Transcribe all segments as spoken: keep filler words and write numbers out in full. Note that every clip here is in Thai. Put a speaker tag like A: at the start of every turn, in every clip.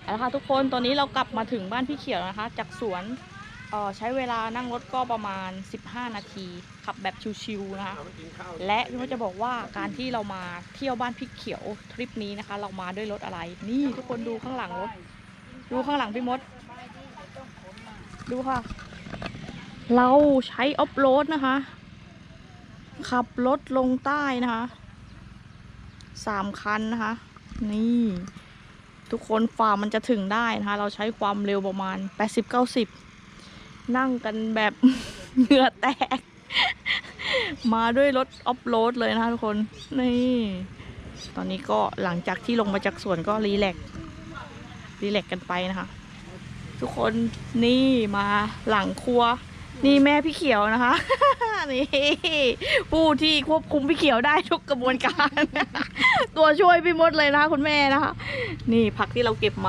A: เอาละค่ะทุกคนตอนนี้เรากลับมาถึงบ้านพี่เขียวนะคะจากสวนเอ่อใช้เวลานั่งรถก็ประมาณสิบห้านาทีขับแบบชิวๆนะคะและพี่มดจะบอกว่าการที่เรามาเที่ยวบ้านพี่เขียวทริปนี้นะคะ เรามาด้วยรถอะไรนี่ทุกคนดูข้างหลังรถดูข้างหลังพี่มดดูค่ะเราใช้ออฟโรดนะคะขับรถลงใต้นะคะสามคันนะคะนี่ทุกคนฝ่ามันจะถึงได้นะคะเราใช้ความเร็วประมาณ แปดสิบ เก้าสิบ นั่งกันแบบ เหงื่อแตก มาด้วยรถออฟโรดเลยนะคะทุกคนนี่ตอนนี้ก็หลังจากที่ลงมาจากสวนก็รีแลกซ์รีแลกซ์กันไปนะคะทุกคนนี่มาหลังครัวนี่แม่พี่เขียวนะคะ นี่ผู้ที่ควบคุมพี่เขียวได้ทุกกระบวนการ ตัวช่วยพี่มดเลยนะคะคุณแม่นะคะนี่ผักที่เราเก็บมา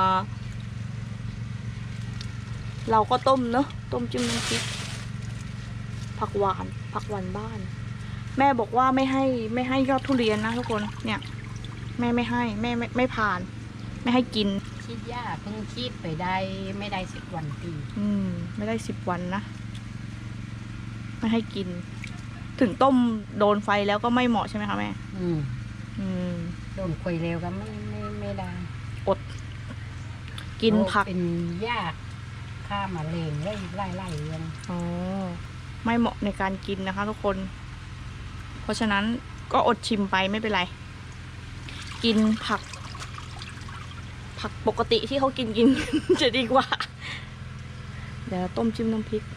A: เราก็ต้มเนอะต้มจิ้มน้ำพริกผักหวานผักหวานบ้าน แม่บอกว่าไม่ให้ไม่ให้ยอดทุเรียนนะทุกคนเนี่ยแม่ไม่ให้แม่ไม่ไม่ผ่านไม่ให้กิน
B: คิดยากเพิ่งคิดไปได้ไม่ได้สิบวันตี
A: อืมไม่ได้สิบวันนะไม่ให้กิน ถึงต้มโดนไฟแล้วก็ไม่เหมาะใช่ไหมคะแม่
B: อืม
A: อืม
B: โดนคุยเร็วก็ไม่ไม่ไม่ได้
A: อดกินผัก
B: เป็นยากข้ามาเลงไล่ไล่ไล่ยัง
A: อ๋อไม่เหมาะในการกินนะคะทุกคน เพราะฉะนั้นก็อดชิมไปไม่เป็นไรกินผัก ผักปกติที่เขากินกิน จะดีกว่าเดี๋ยวต้มจิ้มน้ำพริก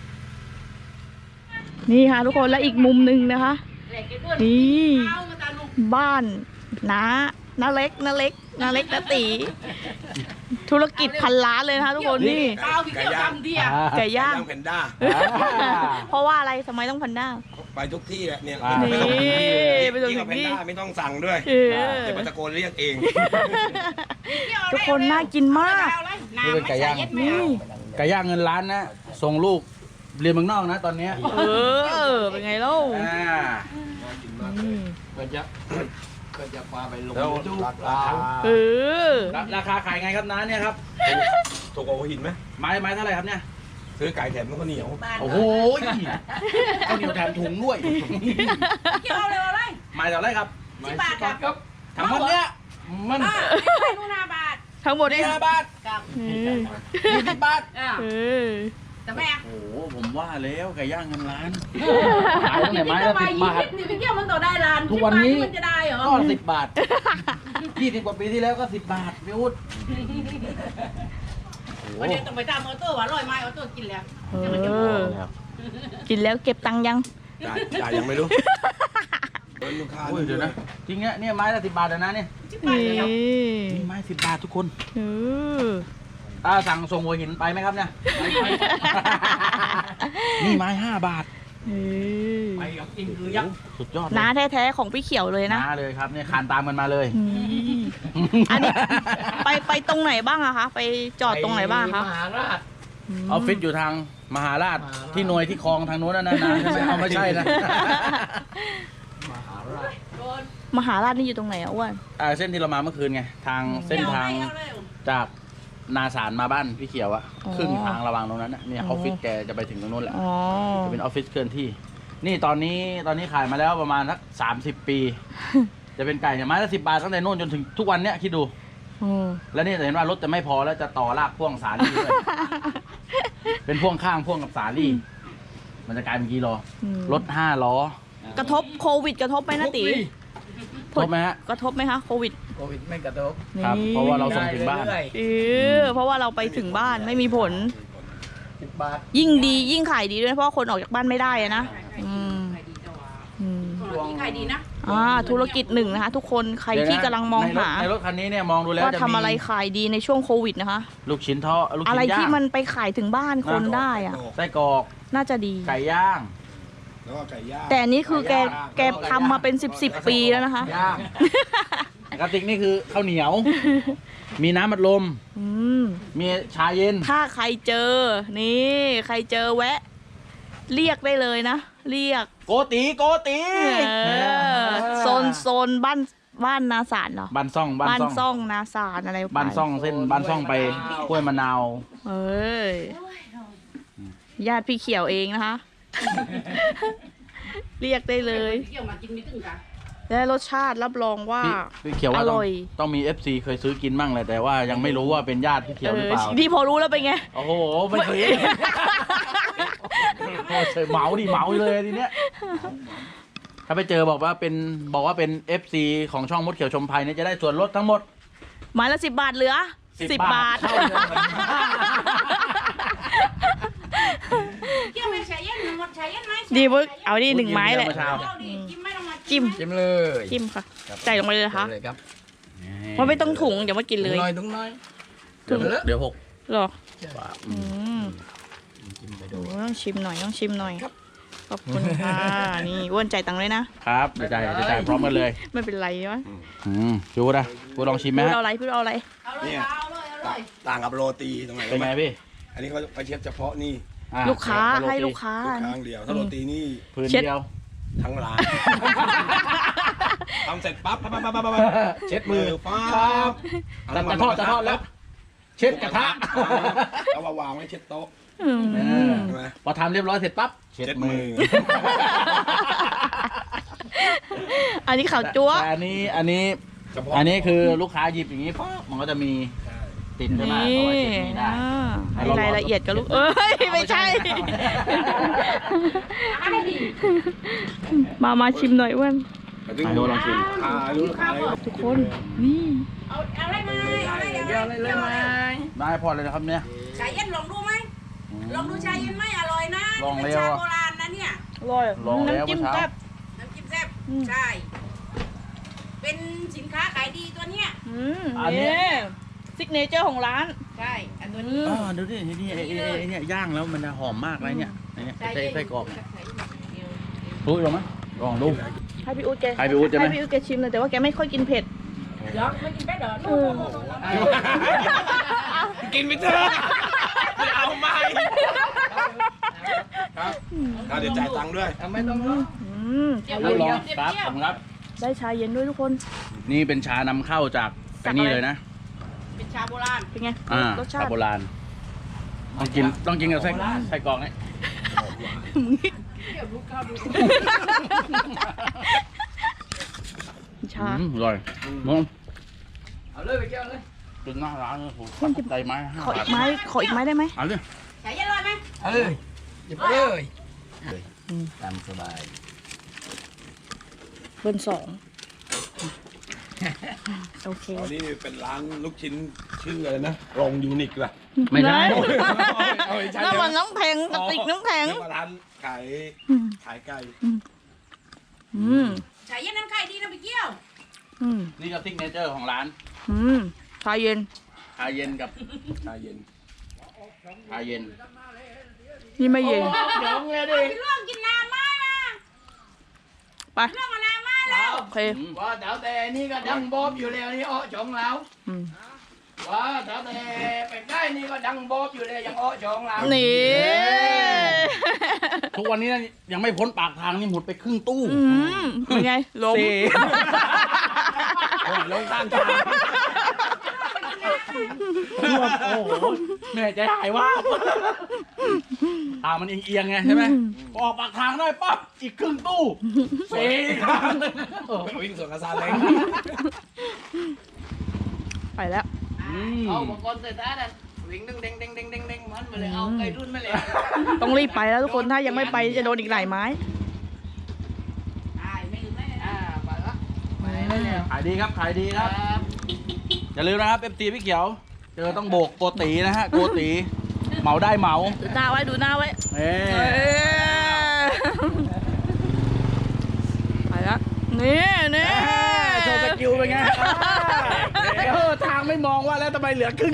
A: นี่ค่ะทุกคนและอีกมุมหนึ่งนะคะนี่บ้านน้าน้าเล็กน้าเล็กน้าเล็กน้าตีธุรกิจพันล้านเลยนะคะทุกคนนี่
C: ไก่ย่าง
A: ไก่ย่าง
C: แพนด้า
A: เพราะว่าอะไรทำไมต้องแพนด้า
C: ไปทุกที่แหละเนี่ย
A: นี่ไปทุกที่
C: ไม่ต้องสั่งด้วยเดี๋ยวตะโกนเรียกเอง
A: ทุกคนน่ากินมาก
D: นี่เป็นไก่ย่างนี่ไก่ย่างเงินล้านนะส่งลูกเรียนเมืองนอกนะตอนนี้
A: เออเป็นไงเล่า
D: ก็จะก็จะพาไปลงดูราคา
A: เออ
D: ราคาขายไงครับน้าเนี่ยครับ
C: ถูกกว่าหินไหม
D: ไม้ไม้เท่าไหร่ครับเนี่ย
C: ซื้อไก่แถมข้าวเหนียว
D: โอ้โหข้าวเหนียวแถมถุงด้วย
B: เกี่ยวเลยอะไร
D: ไม้เท่าไรครับ
B: สิบบาทครับ
D: ทั้งหมดเนี้ยมัน
B: นู่นห้าบาท
A: ทั้งหมด
D: นี่ห้าบาท
B: กับ
D: ยี่สิบบาท
A: เออ
B: แต่แม่
D: โอ้โหผมว่าแล้วไก่ย่างเงินล้าน
B: ขายตั้งแต่ไม้ละสิบบาทนี่พี่เกี่ยวมันต่อได้ล้าน
D: ทุกวันนี้
B: มันจะได้เหรอ
D: ก็สิบบาทยี่สิบกว่าปีที่แล้วก็สิบบาทพี่อุ๊ด
B: วันนี้ต้องไปตามออโต้ว่าร้อยไม้ออโต้กินแล้ว
A: กินแล้วเก็บตังค์ยัง
C: จ่ายยังไม่รู้
D: เดี๋ยวนะจริงเนี่ยเนี่ยไม้ละสิบบาทนะเนี่ยนี่ไม้สิบบาททุกคนถ้าสั่งส่งหัวหินไปไหมครับเนี่ยนี่ไม้ห้าบาท
C: ไปกับอิงคือยักษ์
D: สุดยอด
A: น้าแท้ๆของพี่เขียวเลยนะ
D: น้าเลยครับเนี่ยขานตามกันมาเลย
A: อันนี้ไปไปตรงไหนบ้างอะคะไปจอดตรงไหนบ้างคะ
C: มหาราช
D: ออฟฟิศอยู่ทางมหาราชที่หน่วยที่คลองทางโน้นนะนะเอาไม่ใช่นะ
C: มหาราช
A: มหาราชนี่อยู่ตรงไหนอะอ้วน
D: เส้นที่เรามาเมื่อคืนไงทางเส้นทางจากนาสารมาบ้านพี่เขียวอะครึ่งทางระหว่างตรงนั้นเนี่ยออฟฟิศแกจะไปถึงตรงนู้นแหละจะเป็นออฟฟิศเคลื่อนที่นี่ตอนนี้ตอนนี้ขายมาแล้วประมาณสักสามสิบปี จะเป็นไก่ไม้ละสิบบาทตั้งแต่นู้นจนถึงทุกวันเนี้ยคิดดูแล้วนี่จะเห็นว่ารถจะไม่พอแล้วจะต่อลากพ่วงสาลี่ด้วยเป็นพ่วงข้างพ่วงกับสาลี่มันจะกลายเป็นกี่ล้อรถห้าล้อก
A: ระทบโควิดกระทบไหมนะตี
D: กระทบไหมฮะ
A: กระทบไหมคะโควิด
C: โควิดไม่กระทบ
D: ครับเพราะว่าเราส่งถึงบ้าน
A: เออเพราะว่าเราไปถึงบ้านไม่มีผล
C: สิบบาท
A: ยิ่งดียิ่งขายดีด้วยเพราะคนออกจากบ้านไม่ได้นะอืม
B: ขายดีนะ
A: อ่าธุรกิจหนึ่งนะคะทุกคนใครที่กำลังมองหา
D: ในรถคันนี้เนี่ยมองดูแล้ว
A: ว่าทำอะไรขายดีในช่วงโควิดนะคะ
D: ลูกชิ้นทอด
A: อะไรที่มันไปขายถึงบ้านคนได้อะ
D: ไส้กรอก
A: น่าจะดี
D: ไก่ย่าง
A: แต่นี่คือแกแกทำมาเป็นสิบสิบปีแล้วนะคะ
D: กระติกนี่คือข้าวเหนียวมีน้ำอัดลมมีชาเย็น
A: ถ้าใครเจอนี่ใครเจอแวะเรียกได้เลยนะเรียก
D: โกตีโกตี
A: โซนโซนบ้านบ้านนาสารเหรอ
D: บ้านซ่องบ้าน
A: บ้าน
D: ซ่อง
A: ซ่องนาสารอะไรไป
D: บ้านซ่องเส้นบ้านซ่องไปห้วยมะนาว
A: เอ้ยญาติพี่เขียวเองนะคะ เรียกได้เลย
B: เกี่ยวมากินไม่ถึงกัน
A: และรสชาติรับรองว่า
D: พี่พี่เขียวว่า
A: อ
D: ต้อง
A: ร่อย
D: ต้องมี เอฟ ซี เคยซื้อกินมั่งเลยแต่ว่ายังไม่รู้ว่าเป็นญาติพี่เขียวหรือเปล่า
A: ดีพอรู้แล้วเป็นไง
D: โอ้โหไม่เคยโอ้เฉยเหมาดิเหมาเลยทีเนี้ยถ้าไปเจอบอกว่าเป็นบอกว่าเป็น เอฟ ซี ของช่องมดเขียวชมภัยเนี่ยจะได้ส่วนลดทั้งหมด
A: ไม้ละสิบบาทเหลือ
D: สิ
A: สิ
D: บบ บบา
A: บา
D: ท
A: ท
D: เท่าเดิม
B: เกี่ยวไม่ใช่ยันหมดใช่ยันไหม
A: ดีเว้ยเอาดิหนึ่งไม้แหละ
B: จิ้มไม่ต้องมา
A: จิ้ม
C: จิ้มเลย
A: จิ้มค่ะใส่ลงไปเลยนะคะ
C: เลยครับ
A: มันไม่ต้องถุงเดี๋ยวมากินเลย
C: น้อยตุ้งน้อย
D: เดี๋ยวเดี๋ยวหก
A: หรอ
D: บาท
A: อืม
C: จิ้มไป
A: โอ้
C: ดู
A: ต้องชิมหน่อยต้องชิมหน่อยขอบคุณค่ะนี่อ้วนใจายตังค์เลยนะครับ
D: เดี๋ยวจ่ายเดี๋ยวจ่ายพร้อมกันเลย
A: ไม่เป็นไรวะ
D: อืมจูนะกูลองชิมไหม
A: พูด
D: ฮะ
A: เอาอะไรพูดเอาอะไร
B: เอาเลยเอาเลยเอาเลย
E: ต่างกับโรตีตรงไหน
D: เป็นไงพี่
E: อันนี้เขาเขาเช็ดเฉพาะนี่
D: อ่ะ
A: ลูกค้า
D: โรตี
A: ให้ลูกค้า
E: ลูกค้างเดียว ถ้าโรตีนี่
D: พื้น
A: เช็ด
D: เดียว
E: ทั้งร้านทำเสร็จปั๊บปั๊บปั๊บปั๊บปั๊บเช็ดมือปั๊บ
D: จะจะทอดจะทอดแล้ว เช็ดกระทะ
E: เอามาวางไว้เช็ดโต๊ะ
A: อืม
D: เออ
E: ใช่ไหม
D: พอทำเรียบร้อยเสร็จปั๊บเช็ด
E: เช็ด
D: มื
E: มื
D: อ
E: อ
A: อันนี้ข่าวจั๊ว
D: แต่อันนี้อันนี้
E: เฉพาะ
D: อันนี้คือลูกค้าหยิบอย่างนี้ปั๊บมันก็จะมีติดใช่ไหม
A: นี่
D: เอาไว้เช็ดนี้ได้
A: อ่าให้รายละเอียดกับลูกเอ้ยไม่ใช่ มามาชิมหน่อยอ้วน
E: ถึง
D: อ่ะดูลองชิม
E: อ่ารู้ขาย
A: ทุกคนนี่
B: เอาเอาอะไรมาเอาอะไรเอาอะไรเลยไหม
D: ได้พอเลยนะครับเนี่ย
B: ชาเย็นลองดูไหมลองดูชาเย็นไหมอร่อยนะ
D: ลอง
B: เป็น
D: แล้ว
B: ชา
D: อะ
B: โบราณนะเนี่ย
A: อร่อย
D: ลองแล้ว
A: น้ำจิ้ม
D: เมื่อเช้า
A: แซ่บ
B: น้ำจิ้มแซ่บ
A: อืม
B: ใช่ เป็นสินค้าขายดีตัวเนี้ย
A: อืม
D: อันเนี้
A: นี่
D: ย
A: ซิกเนเจอร์ของร้าน
B: ใช่อันตัวนี้
D: อ๋อดูดินี่ไอ้ไอ้ไอ้เนี่ยย่างแล้วมันจะหอมมากเลยเนี่ยไอ้เนี่ยไส้ไส้กรอกเนี่ยรู้หรือมั้ยลองดู
A: ให้พี่อุ๊ดแก
D: ให้พี่อุ๊ดใช่ไหม
A: ให้พี่อุ๊ดแกชิมเลยแต่ว่าแกไม่ค่อยกินเผ็ด
B: เดี๋ยวไม่กินแป๊ดเหรอ
A: เออ
E: กินไปเถอะไม่เอาไม่ครับอ่าเดี๋ยวจ่ายตังค์ด้วย
C: ไม่ต้องรอ
A: อืม
B: เดี๋ยว
D: รับรอง
B: เดี๋ยว
D: ครับ
B: เดี๋ยว
D: ผมครับ
A: ได้ชาเย็นด้วยทุกคน
D: นี่เป็นชานำเข้าจาก
A: จา
D: ไอ้
A: กอะไร
D: นี่เลยนะ
B: เป็นชาโบราณ
A: เป็นไง
D: อ่าร
A: สชา
D: ชา
A: ติ
D: โบราณต้องกินต้องกินกับไส้ไส้กรอกนี่
B: เดี๋ยวลูกเข้าดู
A: ชา
D: อืมอร่อยมึง
C: เอาเลยไปเกี่ยวเลย
D: กินหน้าร้านเลยผม
A: มันจะ
D: ใจไม้ห้า
A: ขออี
D: บาท
A: กไม้ขออีกไม้ได้ไหม
D: เอาเลย
B: ชาเย็นอร่อยไหม
C: เอาเลยหยิบไปเลย
D: ตามสบาย
A: เบิร์นสองโอเค
E: ตอนนี้เป็นร้านลูกชิ้นชื่ออะไรนะโรงยูนิคล่ะ
D: ไม่ได้
E: เอาไม่ใช่
A: น้ำมันน้ำแข็งกระติกน้ำแข็ง
E: เรียกว่าร้านขาย
A: อืม
E: ขายไก่
A: อืม
B: ชาเย็นน้ำไข่ดีนะพี่เกี้ยว
A: อืม
D: นี่ก็ซิกเนเจอร์ของร้าน
A: อืมชาเย็น
D: ชาเย็นกับ
E: ชาเย็น
D: ชาเย็น
A: นี่ไม่เย็น
C: เดี๋ยวเลยดิ
B: พี่ล่วงกินน้ำไม้นะ
A: ไป
B: ล่วงเอาน้ำไม้แล้ว
A: โอเค
C: ว่าแถวแต่นี่ก็ดังบอบอยู่แล้วนี่อ้อจองแล้ว
A: อืม
C: ว่าแถวแต่ไปใกล้นี่ก็ดังบอบอยู่เลยยังอ้อจองแล้ว
A: นี่
D: ทุกวันนี้ยังไม่พ้นปากทางนี่หมดไปครึ่งตู้
A: อืมเป็นไงล้ม
D: สี่
E: ลงข้างทาง
D: โอ้โหเหนื่อยใจหายว่าบทางมันเอียงๆไงใช่ไหมพอออกปากทางได้ปั๊บอีกครึ่งตู้สี่ครั้ง
E: วิ่งสวนกระซาเล้ง
A: ไปแล้ว
D: อืม
C: เอาอุปกรณ์เสร็จแล้วนะวิ่งดึงเด้งเด้งเด้งเด้งเด้งมันมาเลยเอาไก่รุ่นมาเลย
A: ต้องรีบไปแล้วทุกคนถ้ายังไม่ไปจะโดนอีกหลายไม้
B: ใช่ไม่ลืมไม่เลย
C: อ่าไปละไปแล้ว
D: ขายดีครับขายดีครับ อย่าลืมนะครับเอฟซีพี่เขียว เจอต้องโบกโกตีนะฮะโกตีเหมาได้เหมา
A: ดูหน้าไว้ดูหน้าไว้
D: เอ้
A: เอ้ยไปแล้วนี่นี่
D: โชว์สกิลเป็นไงเออทางไม่มองว่าแล้วทำไมเหลือครึ่ง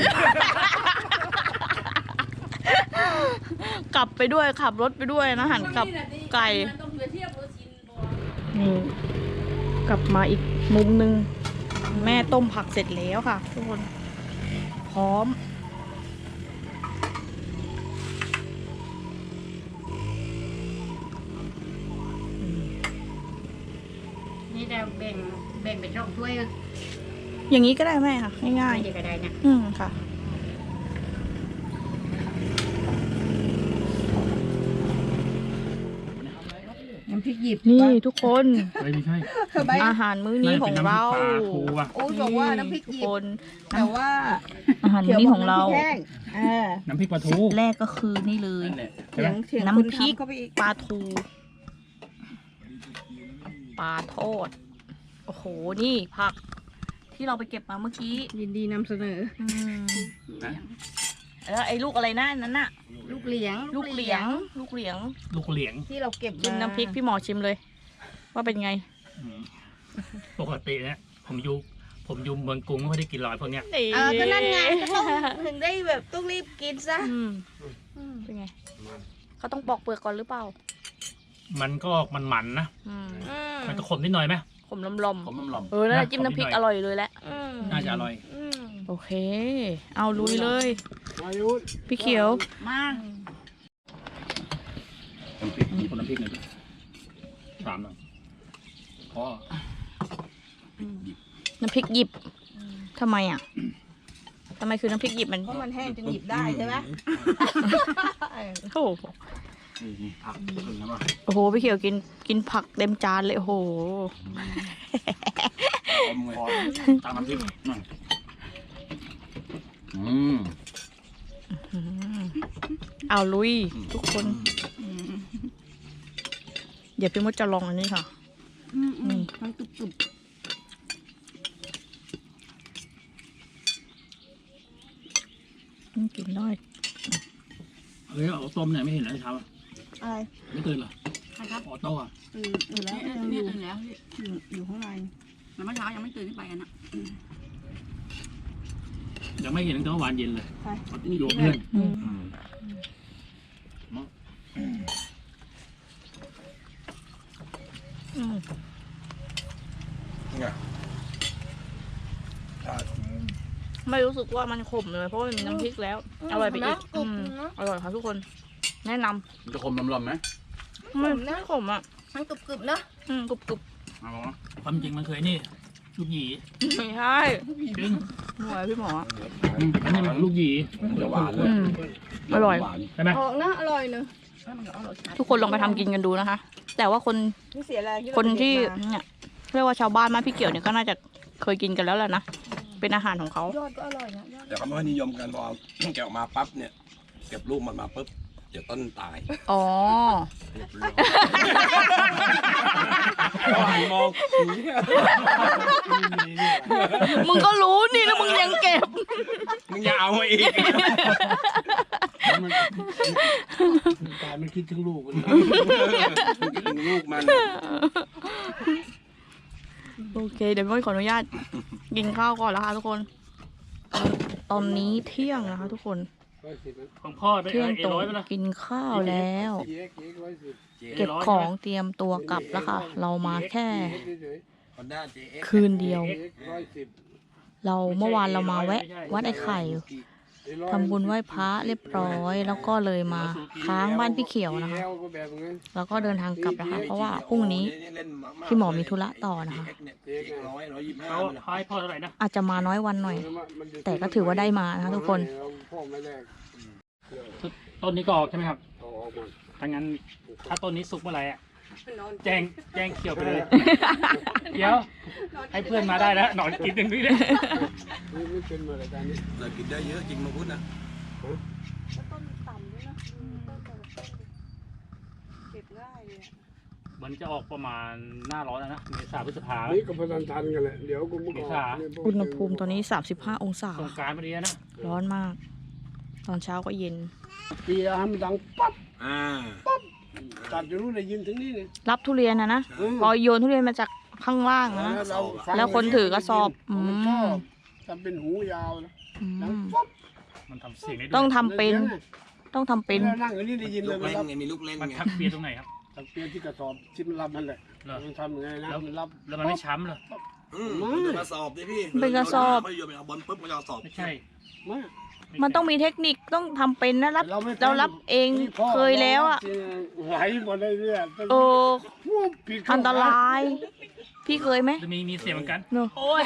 A: กลับไปด้วยขับรถไปด้วยนะหันกลับไก่
B: ต้องเปรียบเทียบรสชินโบราณ
A: นี่กลับมาอีกมุมหนึ่งแม่ต้มผักเสร็จแล้วค่ะทุกคนพร้อม
B: นี่เราแบ่งแบ่งเป็นช่องถ้วย
A: อย่างนี้ก็ได้แม่ค่ะง่าย
B: ไม่ได้ก็ได้นะ
A: ๆอืมค่ะ
B: น้ำพริกหยิบ
A: นี่ทุกคน
F: ไม่ใช่
A: อาหารมื้อนี้ของเรา
F: ปลาทูอ่ะ
G: โอ้ยบอกว่าน้ำพริก
A: ทุก
G: หยิ
A: ค
G: บ
A: น
G: แต่ว่า
A: อาหารมื้อนี้ของเรา
G: ขียวบกน้ำพกแห้งเออ
F: น้ำพริกปลาทู
A: แรกก็คือนี่เลย
D: นั่นแหละ
G: เถียงเถียง
A: น้ำ
G: คุณ
A: พริก
G: ทำเข้าไปอีก
A: ปลาทูปลาทอดโอ้โหนี่ผัก ที่เราไปเก็บมาเมื่อกี้
G: ยินดีนำเสนอ
A: อืมแล้วไอ้ลูกอะไรนะนั้นน่ะ
G: ลูกเหลียง
A: ลูกเหลียง ลูกเหลียง
F: ลูกเหลียง
G: ที่เราเก็บ
A: กิน
G: มา
A: น้ำพริกพี่หมอชิมเลย ว่าเป็นไง
F: อืมปกติเนี่ยผมอยู่ผมอยู่เมืองกรุงไม่ค่อยได้กินหรอกพวกเนี้ย
G: เออก็นั่นไงก็ต้องถึงได้แบบต้องรีบกินซะ
A: อืมเป็นไงเขาต้องปอกเปลือกก่อนหรือเปล่า
F: มันก็ออกมันๆนะ
A: อืม
G: อืม
F: มันก็ขมนิดหน่อยไหม
A: ขมลม
D: ผมน้ำหลอม
A: ๆเออแล้ว
F: นะ
A: จิ้มน้ำพริก
F: ขมนิดหน่อย
A: อร่อยเลยแหละ
G: อืม
F: น่าจะอร่อย
G: อืม
A: โอเค เอาลุยเลย พี่เขียว
B: มา
F: น้ำพริกมีคนน้ำพริกหน่อยดิสามหน่อยพอ
A: น้ำพริกหยิบทำไมอ่ะทำไมคือน้ำพริกหยิบมัน
G: เพราะมันแห้งจนหยิบได้ใช่ไหม
A: โอ้โห
D: นี่นี่ผักขึ้นนะป่ะ
A: โอ้โหพี่เขียวกินกินผักเต็มจานเลยโอ้โห
D: อมเลยตามน้ำพริกหน่อยอืม
A: อืมเอาลุยทุกคน เดี๋ยวพี่มดจะลองอันนี้ค่ะ
G: อืมอืมมันกรุบกรุบ
A: อืมกินได้
F: เฮ้ยเอาต้มเนี่ยไม่เห็นเลยเช้าอะ
G: อะไร
F: ไม่ตื่นเหรอ
B: ใครครับ
F: ออโต้อะ
G: ตื่นอยู่แล้ว
B: เนี่ย
G: ยังอ
B: เนี่ย
G: ยู่
B: ตื่นแล้วพี่
G: อยู่อยู่ข้างใน
B: แล้วเมื่อเช้ายังไม่ตื่นขึ้นไปกันนะ
F: ยังไม่เห็นตั้งแต่เมื่อวานเย็นเลย
G: ไป
F: อยู่กับเพื่อน
A: อืม
D: อืม
A: อืม
E: ไงใช่
A: ไม่รู้สึกว่ามันขมเลยเพราะว่ามันมีน้ำพริกแล้ว อร่อยไปอีก
G: กรุ
A: อื
G: บ
A: ม
G: เนอะ
A: อร่อยค่ะทุกคน แนะน
D: มันจะคมน้ำหลอมไหม
A: ำไม่ไม่ขมอ่ะ
G: มันกรุบกรุบเนอะ
A: อืมกรุบกรุบ
D: เอาวะ
F: ความจริงมันเคยนี่ลูกหยี
A: ไม่ใช่
F: จริง
A: หน่วยพี่หมอ
F: อืมอันนี้มันลูกหยี
E: มันจะหวานเลย
A: อืมอร่อย
E: หวาน
F: ใช่ไหม
G: ออกนะอร่อยเนอะ
A: ทุกคนลองไปทำกินกันดูนะคะ แต่ว่าคน
G: ไม่เสียแรงที่เรา
A: คนที่
G: ไปเก็บมา
A: เนี่ยเรียกว่าชาวบ้านบ้านพี่เกี่ยวเนี่ยก็น่าจะเคยกินกันแล้วแหละนะ เป็นอาหารของเขา
G: ยอดก็อร่อยนะยอด
E: แต่เขาไม่ค่อยนิยมกันพอแกะออกมาปั๊บเนี่ย เก็บลูกมันมาปุ๊บเดี๋ยวต้นตาย
A: อ๋อ
E: หันมอง
A: มึงก็รู้นี่แล้วมึงยังเก็บ
E: มึงอย่าเอามาอีก
H: ตายมันคิดถึงลูกมัน
E: คิดถึงลูกมัน
A: โอเค เดี๋ยวพี่ขออนุญาตกินข้าวก่อนแล้วค่ะทุกคน ตอนนี้เที่ยงนะคะทุกคน
F: ของพ่อได้
A: เที่ยง
F: เอ
A: ตรง
F: ร้อยไปละ
A: กินข้าวแล้ว
H: เจ๊เจ๊ร้อยสิบ
A: เก็บของเตรียมตัวกลับแล้วค่ะ เรามาแค่
H: เฉย
E: ฮอนด้าเจเอ็ก
A: คืนเดียว
H: ๆเจ๊ร้อยสิบ
A: เราเมื่อวานเรามาแวะ วัดไอ้ไข่ทำบุญไหว้พระเรียบร้อย แล้วก็เลยมาค้างบ้านพี่เขียวนะคะ
H: แอลก็แบบนั้น
A: แล้วก็เดินทางกลับนะคะ เพราะว่าพรุ่งนี้พี่หมอมีธุระต่อนะคะ
E: ร้อยร้อยยี่สิบห้า
F: เขาเขาให้พ่อเท่าไหร่นะ
A: อาจจะมาน้อยวันหน่อย
H: มันจะ
A: แต่ก็ถือว่าได้มานะคะทุกคน
H: พ่อไม่แรก
F: ต้นนี้ก็ออกใช่ไหมครับ
H: เอาออกมา
F: ถ้างั้นถ้าต้นนี้สุกเมื่อไหร่อะแจ้งแจ้งเขียวไปเลย เดี๋ยว ให้เพื่อนมาได้แล้วหนอนกินหนึ่งด้วยเนี่ย
H: นี่ไม่เป็นมาเลยการนี้
E: เรากินได้เยอะจริงมาพูดนะ
G: ต้นต่ำด้วยนะอืมต้นแต่ละต้นเก็บง่ายเลยอะ
F: มันจะออกประมาณหน้าร้อนแล้วนะเมษาพฤษภา
H: นี่ก็พนันทันกันแหละเดี๋ยวกูมึงออกเนี่ยพวก
A: อุณหภูมิตอนนี้ สามสิบห้า องศา
F: สงกรารพอดีนะ
A: ร้อนมาก ตอนเช้าก็เย็น
H: ปีอาให้มันดังปั๊บ
E: อ่า
H: ตัดจะรู้ได้ยินถึงนี่เนี่ย
A: รับทุเรียนนะนะ พอโยนทุเรียนมาจากข้างล่างนะ
H: เราฟัง
A: แล้วคนถือกระสอบอืม
H: มันชอบทำเป็นหูยาวนะ
A: อื
H: ดัง
A: ม
H: ปั๊บ
F: มันทำเสียงได้ด้
A: ต้
F: ว
A: อย งทำเป็น ต้องทำเป็น
H: แล้วนั่งอันนี้ได้ยินเล
E: ลู
H: ย
E: ก
H: มัน
E: เล่น
H: รับ
E: ไงมีลูกเล่น
F: มัน
E: ไง
F: ทักเปียตรงไหนครับ
H: ทางเปียที่กระสอบที่มันรับมันแหละ
F: เหรอ
H: มันทำยังไงนะมันรับ
F: แล้วมันไม่ช้ำเหรอ
E: อืมมันเป็นกระสอบดิพี่
A: เป็นกระสอบ
E: ไม่โยนไปเอาบอลปุ๊บมันจะกระสอบ
F: ไม่ใช่
H: มา
A: มันต้องมีเทคนิคต้องทำเป็นนะรับ
H: เราไม่
A: เรารับเอง
H: นี่พ่
A: เคยแล้วอ่ะ
H: ไหลหมดเลยเนี่ย
A: เออ
H: วูบผิดเข้
A: อันตรายพี่เคยไหม
F: จะมีมีเสียงเหมือนกัน
A: โนโอ้ย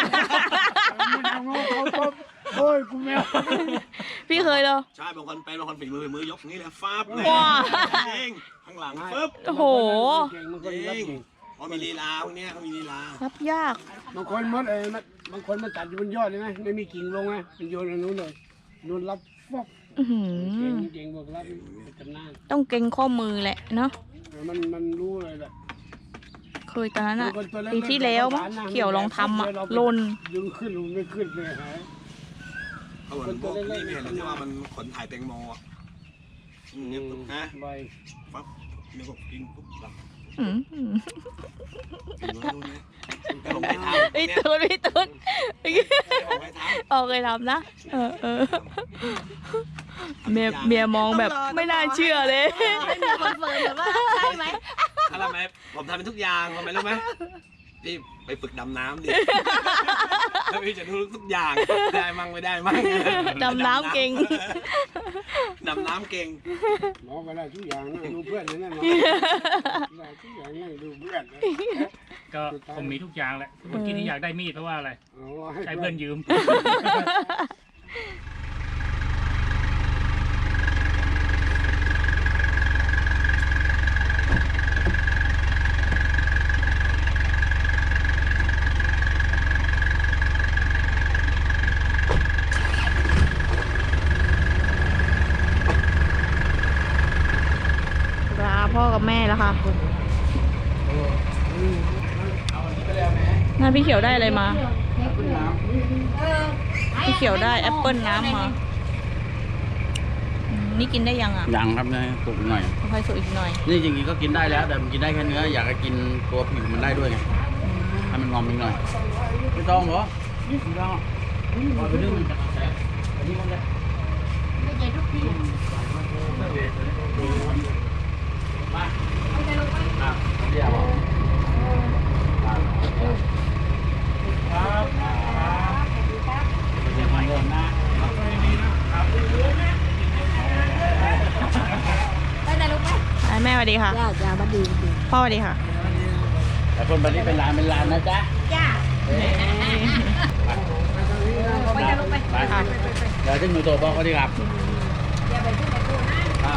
H: โอ้ยกูแมว
A: พี่เคยเหรอ
E: ใช่บางคนเป็นบางคนฝีมือฝีมือยกอย่างนี้แหละฟาบเลย
A: ว้า
E: จริงข้างหลังปึ๊บ
A: โอ้โห
H: เก่งบางคน
E: จ
H: รับ
E: ริง
H: เก่ง
E: เพราะมีลีลาพวกเนี้ยเขามีลีลา
A: รับยาก
H: บางคนมันเอ้มันบางคนมันตัดอยู่บนยอดเลยนะไม่มีกิ่งลงไงมันโยนอันนู้นเลยโยนรับฟอก
A: อื้อหื
H: เก่ง
A: อ
H: เก่งบอกรับจำหน้า
A: ต้องเก่งข้อมือแหละเนาะ
H: มันมันรู้เลยแหละ
A: เคยตอนนั้นอะ
H: บางคนตัวเล็กๆ
A: ปีที่แล้วมั้ง
H: เราก็
A: เขียวลองทำอะ
H: เราไป
A: ลน
H: ดึงขึ้นลงไม่ขึ้นเลยหาย
E: เอาเหมือนพวกนี่ไม่เห็นเลยที่ว่ามันขนถ่ายแตงโมอ่ะอืมเนี่ยปุ๊บนะ
H: ใบ
E: ปั๊บเนี่ยก็กินปุ๊บหลับ
A: อืม
E: กินแล้วนู่นเนี่ยแต่ลงไปเท้า
A: ไอ้
E: เนี่ย
A: ตูนพี่ตูน
E: ลงไปเท้า
A: ออกเคยทำนะ เออเออเมียเมียมองแบบไม่น่าเชื่อเลย
G: ไม่มีคอนเฟิร์มแบบว่าใช่ไหม
E: อะไรไหมผมทำเป็นทุกอย่างทำไมรู้ไหมพี่ไปฝึกดำน้ำดิแล้วพี่จะรู้ทุกอย่างได้มั่งไม่ได้มั่ง
A: ดำน้ำเก่ง
E: ดำน้ำเก่ง
H: หมอก็ได้ทุกอย่างนะดูเพื่อนเลยนะหมอได้ทุกอย่างนั่งดูเพื่อนเลย
F: ก็ผมมีทุกอย่างแหละเมื่อกี้ที่อยากได้มีดเพราะว่าอะไร
H: เอา
F: ใช้เพื่อนยืม
A: ลาพ่อกับแม่แล้วค่ะนั่นพี่เขียวได้อะไรมา พี่เขียวได้แอปเปิลน้ำมาอืมนี่กินได้ยังอ่ะ
D: ยังครับนะสุกอีกหน่อย
A: ค่อยๆสุกอีกหน่อย
D: นี่จริงๆก็กินได้แล้วแต่มันกินได้แค่เนื้ออยากจะกินตัวผิวมันได้ด้วยไงให้มันงอมอีกหน่อยไม่ต้องเหรอไม่ต้องเอาไปนึ่งมันจะแสบอันนี้มันจะ
G: ไม่ใช่ทุกที่
D: มาอ่ะเดี๋ยวครับเดี๋ยวมาเดินหน้า
G: ไปไหนลูกไป
A: อ่ะแม่สวัสดีค่ะ
G: จ้าจ้าบัดดีบัดดี
A: พ่อสวัสดีค่ะ
D: แต่คนวันนี้เป็นร้านเป็นร้านนะจ๊ะ
G: จ้า
A: เอ้ย
G: ไปจ้าลูกไป
D: ไปครับเดี๋ยวถึงหนูโตบอกเขาดีครับ
G: อย่าไปขึ้นไปกูนะครับ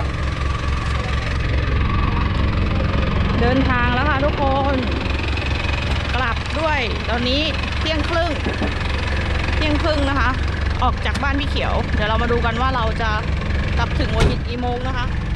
A: เดินทางแล้วค่ะทุกคน กลับด้วย ตอนนี้เที่ยงครึ่ง เที่ยงครึ่งนะคะ ออกจากบ้านพี่เขียว เดี๋ยวเรามาดูกันว่าเราจะกลับถึงหัวหินกี่โมงนะคะ